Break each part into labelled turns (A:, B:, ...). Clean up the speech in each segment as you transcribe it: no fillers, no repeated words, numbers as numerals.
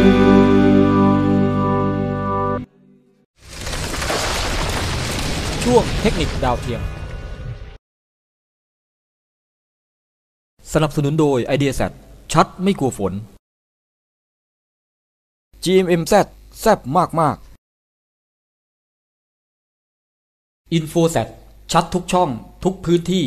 A: ช่วงเทคนิคดาวเทียมสนับสนุนโดย Ideaset ชัดไม่กลัวฝน GMMZ แซ่บมากๆ InfoSat ชัดทุกช่องทุกพื้นที่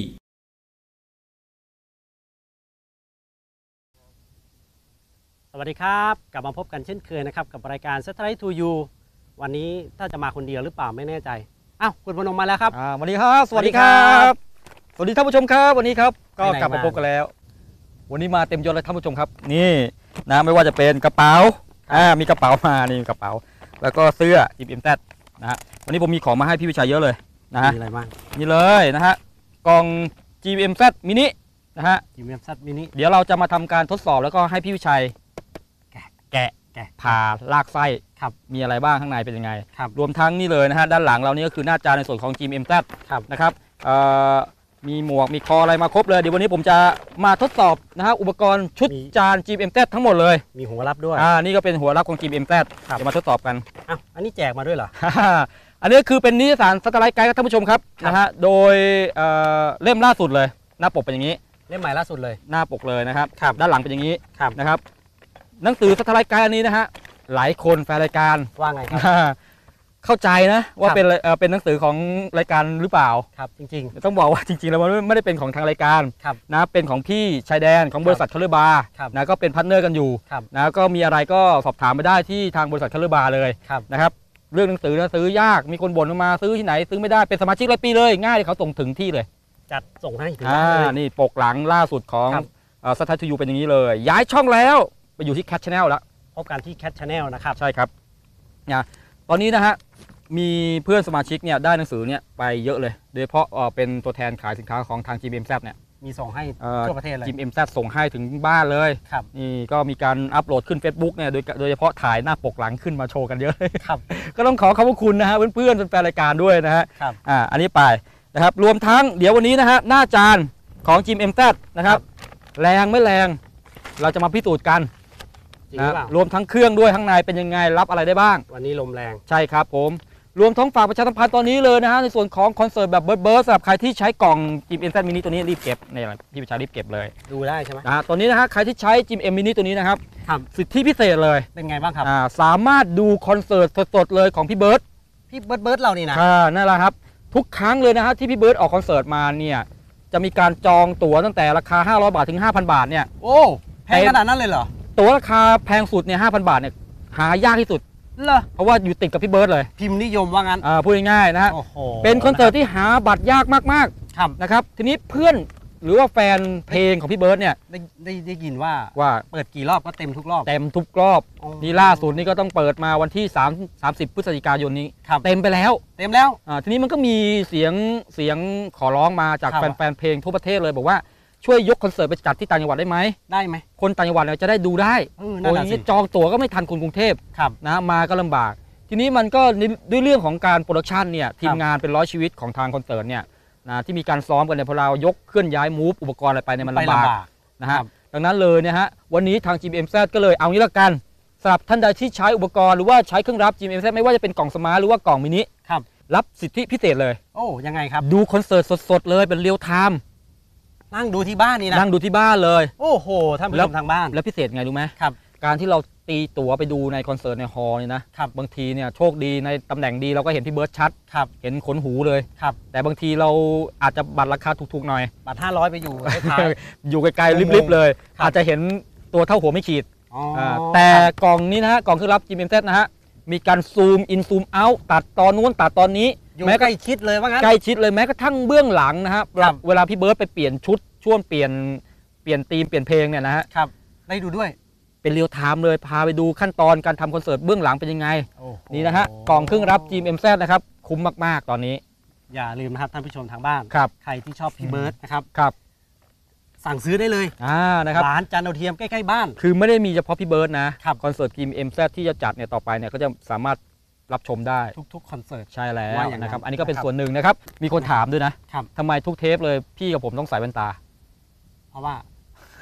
B: สวัสดีครับกลับมาพบกันเช่นเคยนะครับกับรายการ Satellite to You วันนี้ถ้าจะมาคนเดียวหรือเปล่าไม่แน่ใจอ้าวคุณพนมมาแล้วครับ
C: สวัสดีครับสวัสดีครับสวัสดีท่านผู้ชมครับวันนี้ครับก็กลับมาพบกันแล้ววันนี้มาเต็มยศเลยท่านผู้ชมครับนี่นะไม่ว่าจะเป็นกระเป๋ามีกระเป๋ามานี่กระเป๋าแล้วก็เสื้อ GMMZ นะฮะวันนี้ผมมีของมาให้พี่วิชัยเยอะเลยนะฮะ
B: มีอะไรบ้าง
C: นี่เลยนะฮะกล่อง GMMZ มินินะฮะ
B: GMMZ มินิ
C: เดี๋ยวเราจะมาทำการทดสอบแล้วก็ให้พี่วิชัยแกะผ่าลากไส้มีอะไรบ้างข้างในเป็นยังไงรวมทั้งนี่เลยนะฮะด้านหลังเรานี่ก็คือหน้าจอในส่วนของ GMMZ นะครับมีหมวกมีคออะไรมาครบเลยเดี๋ยววันนี้ผมจะมาทดสอบนะฮะอุปกรณ์ชุดจาน GMMZ ทั้งหมดเลย
B: มีหัวรับด้วย
C: นี่ก็เป็นหัวรับของ GMMZ เดี๋ยวมาทดสอบกัน
B: อันนี้แจกมาด้วยเหรอ
C: อันนี้คือเป็นนิตยสารซัตเทอร์ไลท์ไกด์ท่านผู้ชมครับนะฮะโดยเล่มล่าสุดเลยหน้าปกเป็นอย่างนี้
B: เล่มใหม่ล่าสุดเลย
C: หน้าปกเลยนะครับด้านหลังเป็นอย่างนี้นะครับหนังสือซัตเทอร์ไลท์ไกด์อันนี้นะฮะหลายคนแฟนรายการ
B: ว่าไงครับ
C: เข้าใจนะว่าเป็นหนังสือของรายการหรือเปล่า
B: ครับจริง
C: ๆต้องบอกว่าจริงๆแล้วมันไม่ได้เป็นของทางรายการนะเป็นของพี่ชายแดนของบริษัทคัลเลอร์บาร์นะก็เป็นพาร์ทเนอร์กันอยู่นะก็มีอะไรก็สอบถามไปได้ที่ทางบริษัทคัลเลอร์บาร์เลยนะครับเรื่องหนังสือนะซื้อยากมีคนบ่นมาซื้อที่ไหนซื้อไม่ได้เป็นสมาชิกรายปีเลยง่ายเขาส่งถึงที่เลย
B: จัดส่งให้ถึงที่เลย
C: นี่ปกหลังล่าสุดของSatellite to Youเป็นอย่างนี้เลยย้ายช่องแล้วไปอยู่ที่ Cat Channel แล้ว
B: พบกันที่ Cat Channel นะครับ
C: ใช่ครับนะตอนนี้นะฮะมีเพื่อนสมาชิกเนี่ยได้หนังสือเนี่ยไปเยอะเลยโดยเฉพาะเป็นตัวแทนขายสินค้าของทาง GMMZ เนี่ย
B: มีส่งให้ทั่วประเทศเลย
C: GMMZ ส่งให้ถึงบ้านเลยนี่ก็มีการอัปโหลดขึ้น Facebook เนี่ยโดยเฉพาะถ่ายหน้าปกหลังขึ้นมาโชว์กันเยอะเลยก็ต้องขอบคุณนะฮะเพื่อนๆแฟนรายการด้วยนะฮะอันนี้ไปนะครับรวมทั้งเดี๋ยววันนี้นะฮะหน้าจานของ GMMZ นะครับแรงไม่แรงเราจะมาพิสูจน์กันนะรวมทั้งเครื่องด้วยข้างในเป็นยังไงรับอะไรได้บ้าง
B: วันนี้ลมแรง
C: ใช่ครับผมรวมทั้งฝากประชาสัมพันธ์ตอนนี้เลยนะฮะในส่วนของคอนเสิร์ตแบบเบิร์ดสำหรับใครที่ใช้กล่อง GMMZมินิตัวนี้รีบเก็บเนี่ยพี่ประชารีบเก็บเลย
B: ดูได้ใช่ไหม
C: ตัวนี้นะฮะใครที่ใช้ GMMมินิตัวนี้นะครับสิทธิพิเศษเลย
B: เป็นไงบ้างครับ
C: สามารถดูคอนเสิร์ตสดๆเลยของพี่เบิร์ด
B: เรานี่นะ
C: นั่นแหละครับทุกครั้งเลยนะฮะที่พี่เบิร์ดออกคอนเสิร์ตมาเนี่ยจะมีการจองตั๋วตั้งแต่ราคา500 บาทถึง 5,000 บาทเนี่ย
B: โอ้แพงขนาดนั้นเลยเหรอ
C: ตั๋วราคาแพงสุดเนี่ย 5,000 บาทเนี่ยหายากที่สุดเพราะว่าอยู่ติดกับพี่เบิร์ดเลย
B: พิมพ์นิยมว่างั้น
C: พูดง่ายๆนะฮะเป็นคอนเสิร์ตที่หาบัตรยากมากๆนะครับทีนี้เพื่อนหรือว่าแฟนเพลงของพี่เบิร์ดเนี่ย
B: ได้ยินว่าเปิดกี่รอบก็เต็มทุกรอบ
C: นี่ล่าสุดนี่ก็ต้องเปิดมาวันที่30 พฤศจิกายนนี้เต็มแล้วทีนี้มันก็มีเสียงขอร้องมาจากแฟนเพลงทั่วประเทศเลยบอกว่าช่วยยกคอนเสิร์ตไปจัดที่ต่างจังหวัดได้ไหมคนต่างจังหวัดจะได้ดูได้โอ้ยจองตั๋วก็ไม่ทันคนกรุงเทพนะมาก็ลำบากทีนี้มันก็ด้วยเรื่องของการโปรดักชันเนี่ยทีมงานเป็น100 ชีวิตของทางคอนเสิร์ตเนี่ยนะที่มีการซ้อมกันเนี่ยพอเรายกเคลื่อนย้ายมูฟอุปกรณ์อะไรไปเนี่ยมันลำบากนะฮะดังนั้นเลยเนี่ยฮะวันนี้ทาง GMMZ ก็เลยเอางี้ละกันสำหรับท่านใดที่ใช้อุปกรณ์หรือว่าใช้เครื่องรับ GMMZ ไม่ว่าจะเป็นกล่องสมาร์ทหรือว่ากล่องมินิรับสิทธิพิเศษเลย
B: โอ้ยังไงครับ
C: ดูคอนเสิร์ตสดๆเลยเป็นเรียลไทม์
B: นั่งดูที่บ้านนี่นะ
C: นั่งดูที่บ้านเลย
B: โอ้โหท่านผู้ชมทางบ้าน
C: แล้วพิเศษไงรู้ไหมการที่เราตีตั๋วไปดูในคอนเสิร์ตในฮอลล์นี่นะบางทีเนี่ยโชคดีในตำแหน่งดีเราก็เห็นพี่เบิร์ดชัดเห็นขนหูเลยแต่บางทีเราอาจจะบัตรราคาถูกๆหน่อย
B: บัตร500ไปอยู่
C: อยู่ไกลๆริบๆเลยอาจจะเห็นตัวเท่าหัวไม่ขีดแต่กล่องนี้นะฮะกล่องเครื่องรับ GMMZ นะฮะมีการซูมอินซูมเอาท์ตัดตอนนู้นตัดตอนนี้
B: แม้ใกล้ชิดเลยว่างั้น
C: ใกล้ชิดเลยแม้กระทั่งเบื้องหลังนะฮะเวลาพี่เบิร์ดไปเปลี่ยนชุดช่วงเปลี่ยนธีมเปลี่ยนเพลงเนี่ยนะฮะ
B: ได้ดูด้วย
C: เป็นเรียลไทม์เลยพาไปดูขั้นตอนการทำคอนเสิร์ตเบื้องหลังเป็นยังไงนี่นะฮะกล่องเครื่องรับ GMMZ นะครับคุ้มมากๆตอนนี้
B: อย่าลืมนะครับท่านผู้ชมทางบ้านใครที่ชอบพี่เบิร์ดนะครับสั่งซื้อได้เลย
C: นะครับ
B: ร้านจานดาวเทียมใกล้ๆบ้าน
C: คือไม่ได้มีเฉพาะพี่เบิร์ดนะคอนเสิร์ต GMMZ ที่จะจัดเนี่ยต่อไปเนี่ยก็จะสามารถรับชมได้
B: ทุกคอนเสิร์ต
C: ใช่แล้วนะครับอันนี้ก็เป็นส่วนหนึ่งนะครับมีคนถามด้วยนะทำไมทุกเทปเลยพี่กับผมต้องใส่แว่นตา
B: เพราะว่า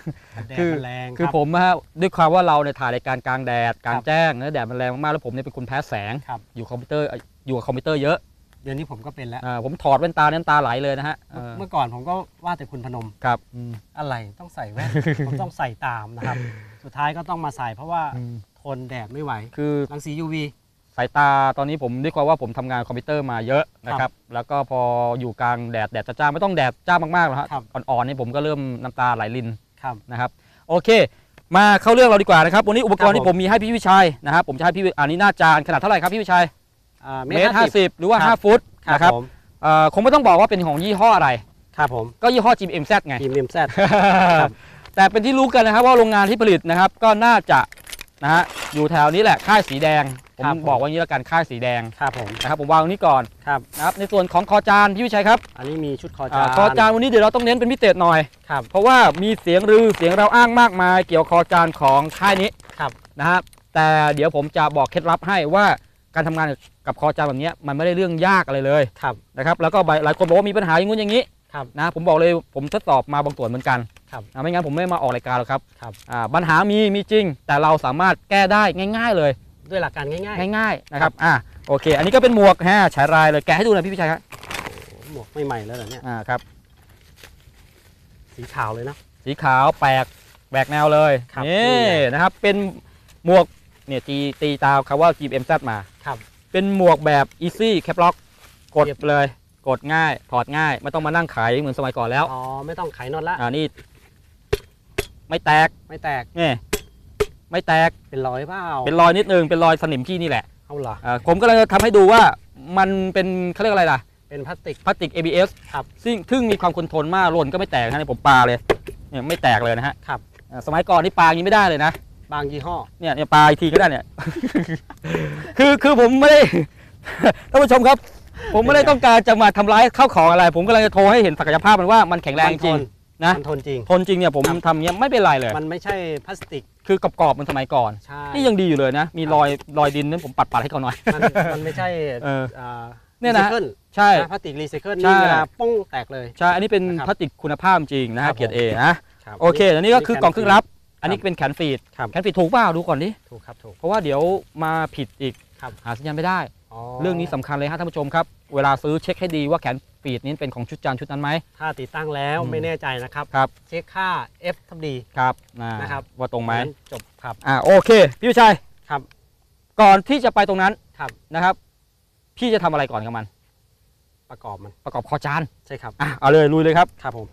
B: แดด
C: คือ
B: มันแรง
C: คือ
B: รับ
C: ผมด้วยความว่าเราเนี่ยถ่ายรายการกลางแดดกลางแจ้งแล้วแดดมันแรงมากๆแล้วผมเนี่ยเป็นคนแพ้แสง
B: ครับ
C: อยู่กับคอมพิวเตอร์เยอะ
B: เดี๋ยวนี้ผมก็เป็นแล้ว
C: ผมถอดแว่นตาน้ำตาไหลเลยนะฮะ
B: เมื่อก่อนผมก็ว่าแต่คุณพนม
C: ครับ
B: อะไรต้องใส่แว่น ผมต้องใส่ตามนะครับ สุดท้ายก็ต้องมาใส่เพราะว่าทนแดดไม่ไหว
C: คือ
B: รังสี UV
C: สายตาตอนนี้ผมด้วยความว่าผมทำงานคอมพิวเตอร์มาเยอะนะครับแล้วก็พออยู่กลางแดดจ้าไม่ต้องแดดจ้ามากๆหรอกครับอ่อนๆนี่ผมก็เริ่มน้ำตาไหลริน
B: ครับ
C: นะครับโอเค มาเข้าเรื่องเราดีกว่านะครับวันนี้อุปกรณ์
B: ครับ
C: ที่ผมมีให้พี่วิชัยนะครับผมจะให้พี่อันนี้หน้าจานขนาดเท่าไหร่ครับพี่วิชัยเมตร50หรือว่า
B: ครับ
C: 5 ฟุตนะครับ
B: ผม
C: คงไม่ต้องบอกว่าเป็นของยี่ห้ออะไร
B: ครับผม
C: ก็ยี่ห้อ GMZ ไง
B: ทีมเอ็มแซด
C: แต่เป็นที่รู้กันนะครับว่าโรงงานที่ผลิตนะครับก็น่าจะนะฮะอยู่แถวนี้แหละค่ายสีแดงผมบอกว่างี้แล้วกันค่ายสีแดง
B: ครับผม
C: นะครับผมวางตรงนี้ก่อน
B: ครับ
C: นะครับในส่วนของคอจานพี่วิชัยครับ
B: อันนี้มีชุดคอจาน
C: คอจานวันนี้เดี๋ยวเราต้องเน้นเป็นพิเศษหน่อย
B: ครับ
C: เพราะว่ามีเสียงลือเสียงเราอ้างมากมายเกี่ยวกับคอจานของค่ายนี้
B: ครับ
C: นะฮะแต่เดี๋ยวผมจะบอกเคล็ดลับให้ว่าการทำงานกับคอจานแบบนี้มันไม่ได้เรื่องยากอะไรเลย
B: ครับ
C: นะครับแล้วก็หลายคนบอกว่ามีปัญหาอย่างงู้นอย่างนี้
B: ครับ
C: นะผมบอกเลยผมทดสอบมาบางส่วนเหมือนกัน
B: ครับ
C: ไม่งั้นผมไม่มาออกรายการหรอกครับ
B: ครับ
C: ปัญหามีจริง แต่เราสามารถแก้ได้ง่ายๆเลย
B: ด้วยหลักการง่าย
C: ง่ายๆนะครับโอเค อันนี้ก็เป็นหมวกฉายรายเลยแกะให้ดูหน่อยพี่พิชัยครับ
B: ๆหมวกไม่ใหม่แล้วเหรอเนี่ย
C: ครับ
B: สีขาวเลยนะ
C: สีขาวแปลกแหวกแนวเลย
B: ครับ
C: นี่
B: นี่ไง
C: นะครับเป็นหมวกเนี่ยตีตามคำว่า GMZ มา
B: ครับ
C: เป็นหมวกแบบ easy cap lock กดเลย กดง่ายถอดง่ายไม่ต้องมานั่งขายเหมือนสมัยก่อนแล้ว
B: อ๋อไม่ต้องไขน็อตละ
C: นี่ไม่แตก
B: ไม่แตก
C: นี่ไม่แตก
B: เป็นรอยเปล่า
C: เป็นรอยนิดนึงเป็นรอยสนิมขี้นี่แหละ
B: เอาเหรอ
C: ผมก็เลยทำให้ดูว่ามันเป็นเขาเรียกอะไรล่ะ
B: เป็นพลาสติก
C: พลาสติก ABS
B: ครับ
C: ซึ่งมีความคงทนมากหล่นก็ไม่แตกนะนี่ผมปาเลยเนี่ยไม่แตกเลยนะฮะ
B: ครับ
C: สมัยก่อนนี่ปาอย่างนี้ไม่ได้เลยนะ
B: บางยี่ห้อ
C: เนี่ยปาอีกทีก็ได้เนี่ย คือผมไม่ได้ ท่านผู้ชมครับ ผมไม่ได้ต้องการจะมาทำร้ายข้าวของอะไร ผมกำลังจะโทรให้เห็นศักยภาพมันว่ามันแข็งแรงจริงนะ
B: มันทนจริง
C: ทนจริงเนี่ยผมทำเงี้ยไม่เป็นไรเลย
B: มันไม่ใช่พลาสติก
C: คือกรอบๆมันสมัยก่อน
B: ใช่
C: นี่ยังดีอยู่เลยนะ มีรอยดินนั้นผมปัดให้เขาหน่อย
B: มันไม่ใช่
C: เนี่ยนะ
B: รีไซเคิล
C: ใช่
B: พลาสติกรีไซเคิล
C: ใช่
B: นี่เวลาป้องแตกเลย
C: ใช่อันนี้เป็น
B: นะครับ
C: พลาสติกคุณภาพจริงนะ
B: ครั
C: ฮะ
B: บ
C: เกียรติ A นะ
B: ครับ
C: โอเคอันนี้ก็คือกล่องเครื่องรับ อันนี้เป็นแขนฟีด
B: ครับ
C: แขนฟีดถูกเปล่าดูก่อนดิ
B: ถูกครับถูก
C: เพราะว่าเดี๋ยวมาผิดอีก
B: ครับ
C: หาสัญญาณไม่ได้ เรื่องนี้สำคัญเลยฮะท่านผู้ชมครับเวลาซื้อเช็คให้ดีว่าแขนฟีดนี้เป็นของชุดจานชุดนั้นไหม
B: ถ้าติดตั้งแล้ว
C: อืม
B: ไม่แน่ใจนะครับ
C: ครับ
B: เช็คค่า F ทับดี
C: ครับ
B: นะครับ
C: ว่าตรงไหม
B: นั้นจบครับ
C: โอเคพี่วิชัย
B: ครับ
C: ก่อนที่จะไปตรงนั้น
B: ครับ
C: นะครับ พี่จะทำอะไรก่อนกับมัน
B: ประกอบมัน
C: ประกอบคอจาน
B: ใช่ครับ
C: เอาเลยลุยเลยครับ
B: ครับผม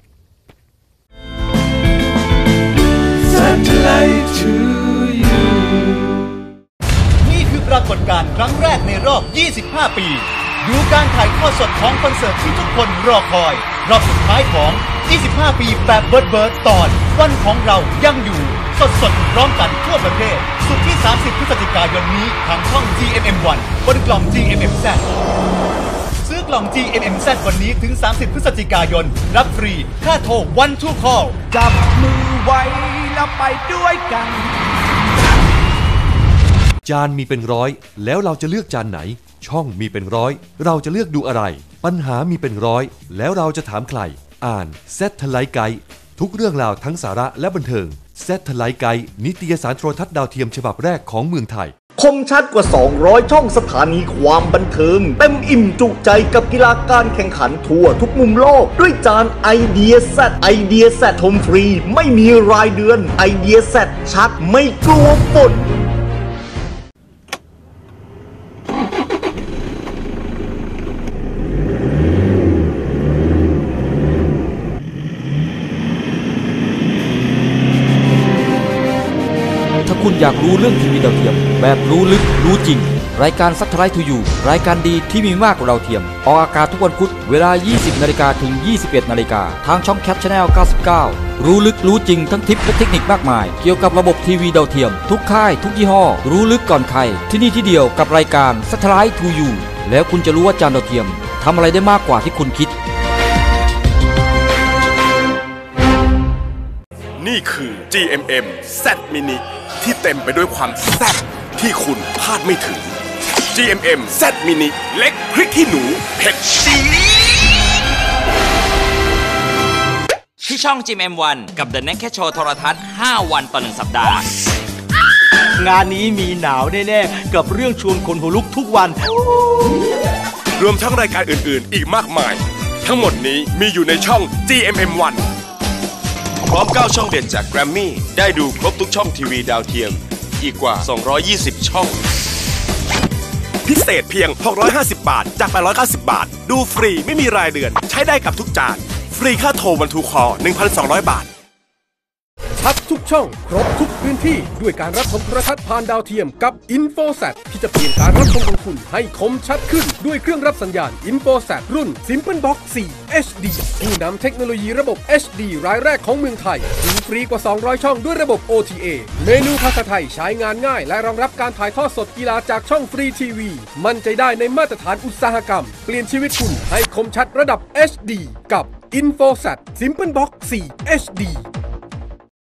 D: Satellite to you นี่คือปรากฏการณ์ครั้งแรกในรอบ 25 ปี ดูการถ่ายทอดสดของคอนเสิร์ตที่ทุกคนรอคอย รอบสุดท้ายของ 25 ปีแบบเบิร์ดตอนวันของเรายังอยู่ สดพร้อมกันทั่วประเทศ สุดที่ 30 พฤศจิกายนนี้ทางช่อง GMM1 บนกล่อง GMMZ ซื้อกล่อง GMMZ วันนี้ถึง 30 พฤศจิกายน รับฟรี ค่าโทร One to Call
E: จับมือไว้แล้วไปด้วยกัน
F: จานมีเป็นร้อยแล้วเราจะเลือกจานไหน ช่องมีเป็นร้อยเราจะเลือกดูอะไร ปัญหามีเป็นร้อยแล้วเราจะถามใคร อ่าน Satellite Guide ทุกเรื่องราวทั้งสาระและบันเทิง Satellite Guide นิตยสารโทรทัศน์ดาวเทียมฉบับแรกของเมืองไทย
G: คมชัดกว่า 200 ช่องสถานีความบันเทิง เต็มอิ่มจุใจกับกีฬาการแข่งขันทั่วทุกมุมโลก ด้วยจานไอเดียแซดไอเดียแซดชมฟรี ไม่มีรายเดือนไอเดียแซดชัดไม่กลัวฝน
A: ถ้าคุณอยากรู้เรื่องทีวีดาวเทียม แบบรู้ลึกรู้จริง รายการ Satellite to You รายการดีที่มีมากกว่าดาวเทียม ออกอากาศทุกวันพุธเวลา 20 นาฬิกาถึง 21 นาฬิกาทางช่อง Cat Channel 99 รู้ลึกรู้จริงทั้งทิปและเทคนิคมากมาย เกี่ยวกับระบบทีวีดาวเทียม ทุกค่ายทุกยี่ห้อ รู้ลึกก่อนใคร ที่นี่ที่เดียวกับรายการ Satellite to You แล้วคุณจะรู้ว่าจานดาวเทียมทำอะไรได้มากกว่าที่คุณคิด
H: นี่คือ GMM Z Mini ที่เต็มไปด้วยความแซ่บที่คุณคาดไม่ถึง GMM Z Mini เล็กพริกขี้หนูเผ็ดจี๊ด
I: ที่ช่อง GMM1 กับ The Naked Show โทรทัศน์ 5 วันต่อ 1 สัปดาห์
E: งานนี้มีหนาวแน่ๆกับเรื่องชวนคนหัวลุกทุกวัน
H: รวมทั้งรายการอื่นๆ อีกมากมาย ทั้งหมดนี้มีอยู่ในช่อง GMM1 พร้อม 9 ช่องเด่นจาก Grammy ได้ดูครบทุกช่องทีวีดาวเทียมอีกกว่า 220 ช่อง พิเศษเพียง 650 บาทจาก 890 บาทดูฟรีไม่มีรายเดือนใช้ได้กับทุกจานฟรีค่าโทรวันทูคอ 1,200 บาท
J: ชัดทุกช่องครบทุกพื้นที่ด้วยการรับชมโทรทัศน์ผ่านดาวเทียมกับ InfoSat ที่จะเปลี่ยนการรับชมของคุณให้คมชัดขึ้นด้วยเครื่องรับสัญญาณ InfoSat รุ่น Simple Box 4 HD ผู้นำเทคโนโลยีระบบ HD รายแรกของเมืองไทยดูฟรีกว่า 200 ช่องด้วยระบบ OTA เมนูภาษาไทยใช้งานง่ายและรองรับการถ่ายทอดสดกีฬาจากช่องฟรีทีวีมั่นใจได้ในมาตรฐานอุตสาหกรรมเปลี่ยนชีวิตคุณให้คมชัดระดับ HD กับ InfoSat Simple Box 4 HD